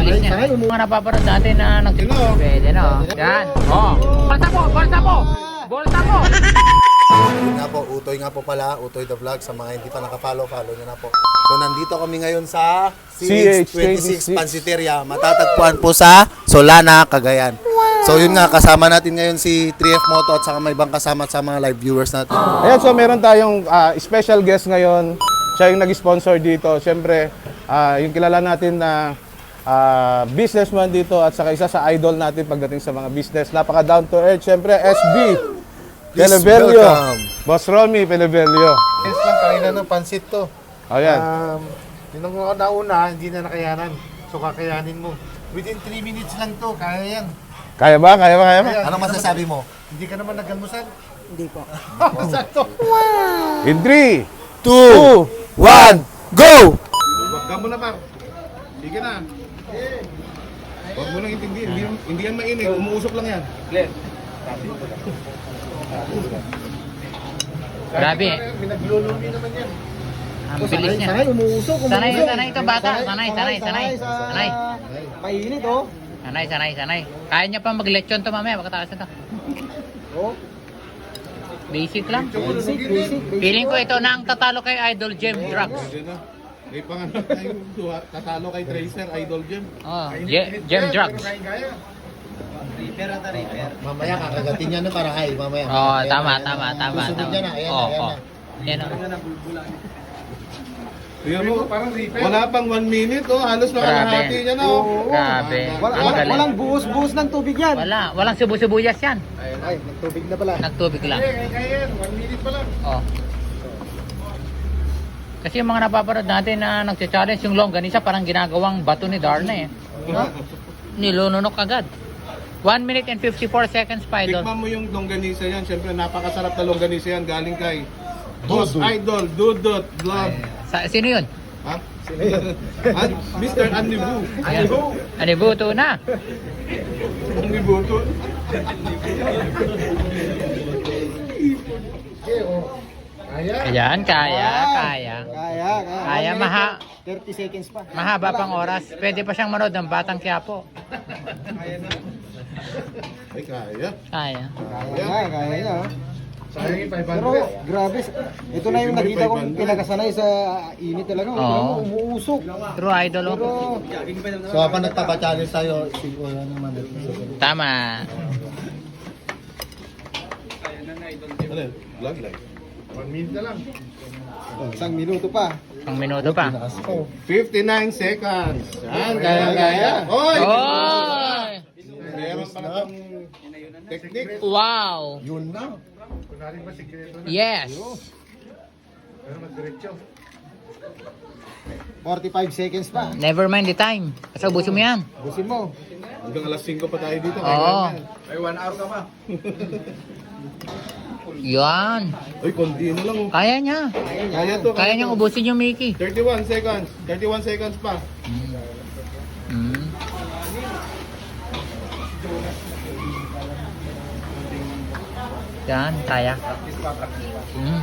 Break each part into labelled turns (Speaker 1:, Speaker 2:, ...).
Speaker 1: bilis niya. Mga napaparod natin na pwede na. Yan. Oh. Bolsa po! Bolsa po! Bolsa po!
Speaker 2: Yun nga po, Utoy nga po pala, Utoy the Vlog. Sa mga hindi pa nakapollow, follow nyo na po. So nandito kami ngayon sa CH26 Pansiteria. Matatagpuan po sa Solana, Cagayan. So yun nga, kasama natin ngayon si 3F Moto at saka may ibang kasama sa mga live viewers natin.
Speaker 3: Ayan, so meron tayong special guest ngayon. Siya yung nag-sponsor dito. Siyempre, yung kilala natin na businessman dito at saka isa sa idol natin pagdating sa mga business. Napaka down to earth. Siyempre, SB Pelevelio. Boss Romy Pelevelio.
Speaker 4: Yes lang, kanina ng pansit to.
Speaker 3: Ayan.
Speaker 4: Yun ang nauna, hindi na nakayanan. So kakayanin mo. Within 3 minutes lang to, kaya yan.
Speaker 3: Kaya ba? Kaya ba? Kaya ba?
Speaker 2: Anong masasabi mo?
Speaker 4: Hindi ka naman nag-almusal?
Speaker 5: Hindi po.
Speaker 4: Sakto.
Speaker 3: In 3,
Speaker 2: 2, 1, go!
Speaker 3: Wag ka muna pa. Sige na. Huwag mo nang intindihin. Hindi yan mainit. Umuusok lang yan.
Speaker 1: Grabe.
Speaker 4: Minaglulumi naman yan.
Speaker 1: Ang bilis niya.
Speaker 5: Sanay, umuusok.
Speaker 1: Sanay ito bata. Sanay.
Speaker 5: Painit, oh.
Speaker 1: Sanay. Kaya niya pa mag-lechon to mamaya. Pagkatakas na to.
Speaker 5: Oh.
Speaker 1: Basic lang.
Speaker 5: Basic.
Speaker 1: Feeling ko ito na ang tatalo kay Idol Gem Drugs.
Speaker 3: May pangalan tayo. Tatalo kay Tracer, Idol Gem.
Speaker 1: Oh, Gem Drugs.
Speaker 2: Mamaya kakagatin niya na para hay, mamaya.
Speaker 1: Oh, tama.
Speaker 2: Susunod niya na, ayan
Speaker 1: Oh.
Speaker 2: na.
Speaker 1: Yan o.
Speaker 3: Tingnan mo, wala pang 1 minute, oh. Halos nakalahati niya na, oh.
Speaker 1: Grabe. Ang galing.
Speaker 5: Walang buhos ng tubig yan.
Speaker 1: Walang subu-subuyas yan.
Speaker 5: Ay, nagtubig na pala.
Speaker 1: Nagtubig lang.
Speaker 4: Kaya yan, 1 minute pa lang.
Speaker 1: Oh. Kasi yung mga napaparod natin na nagcha-challenge yung longganisa parang ginagawang bato ni Darna eh. No? Nilununok agad. 1 minute and 54 seconds pa, Idol.
Speaker 3: Tikman mo yung longganisa yan. Siyempre, napakasarap na longganisa yan. Galing kay Boss Idol, Dudot, Vlog.
Speaker 1: Sino yun?
Speaker 3: Ha? At Mr. Anibu.
Speaker 1: Anibuto na.
Speaker 3: Anibu to.
Speaker 1: Ayan, kaya.
Speaker 5: Kaya. 30 seconds pa.
Speaker 1: Mahaba pang oras. Pwede pa siyang manood ng Batang Quiapo.
Speaker 3: Ay, kaya.
Speaker 1: Kaya.
Speaker 5: Kaya. Oh.
Speaker 4: Sayang yung 500.
Speaker 5: Pero grabe, ito na yung nakita kong pinakasanay sa init talaga.
Speaker 1: Oo.
Speaker 5: Umuusok.
Speaker 1: True Idol.
Speaker 5: Pero
Speaker 2: So habang nagpapa-challenge tayo, siguro naman.
Speaker 1: Tama.
Speaker 3: Ano yun? Vlog live.
Speaker 4: 1 minute na lang.
Speaker 5: isang minuto pa.
Speaker 1: Ang minuto pa.
Speaker 3: 59 seconds. Yan, kaya. Hoy!
Speaker 1: Oy!
Speaker 3: Meron pa na itong technique.
Speaker 1: Wow!
Speaker 2: Yun na.
Speaker 4: Kunwari ba sikreto na?
Speaker 1: Yes!
Speaker 4: Pero magdiretso.
Speaker 5: 45 seconds pa.
Speaker 1: Never mind the time. Kasi ubusin mo yan.
Speaker 5: Busin mo.
Speaker 3: Hanggang alas 5 pa tayo dito.
Speaker 1: Oo.
Speaker 3: Ay, 1 hour ka pa.
Speaker 1: Yan.
Speaker 3: Uy, konti na lang. Oh.
Speaker 1: Kaya niya.
Speaker 3: Kaya to.
Speaker 1: Kaya niyang ubusin yung Mickey.
Speaker 3: 31 seconds. 31 seconds pa.
Speaker 1: Mm. Yan, kaya. Mm.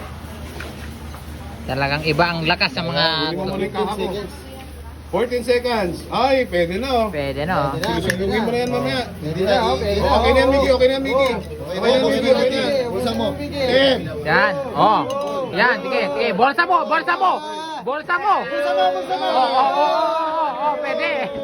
Speaker 1: Talagang iba ang lakas ng mga...
Speaker 3: Hindi mo muli kahapon. 14 seconds. Ay, pwede na oh.
Speaker 1: Pwede na, oh.
Speaker 3: Sulusugin mo na yan mamaya.
Speaker 5: Pwede na, okay.
Speaker 3: Okay na yan, Mickey. Okay na yan, Mickey. Okay na yan, Mickey. Okay na yan.
Speaker 2: Bulsa mo.
Speaker 3: 10.
Speaker 1: Yan, oh. Yan, sige. Bolsa mo. Oh, pwede.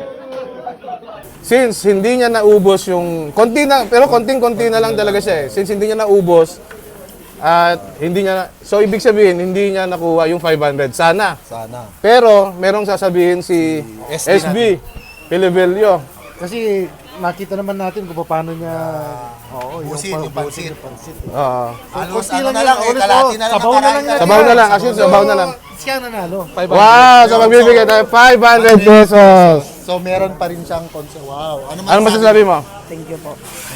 Speaker 3: Since hindi niya naubos yung konti na, pero konting-konti na lang talaga siya eh. Since hindi niya naubos at hindi niya so ibig sabihin hindi niya nakuha yung 500 sana. Pero merong sasabihin si SB Pelevelio.
Speaker 4: Kasi nakita naman natin kung paano niya
Speaker 2: Busin yung pansit.
Speaker 3: Oo.
Speaker 2: Ano na lang, kalati na lang.
Speaker 3: Sabaw na lang, kasi sabaw na lang.
Speaker 4: siya nanalo.
Speaker 3: Wow, so magbibigay tayo 500 pesos.
Speaker 2: So meron pa rin siyang concert. Wow.
Speaker 3: Ano masasabi mo?
Speaker 5: Thank you po.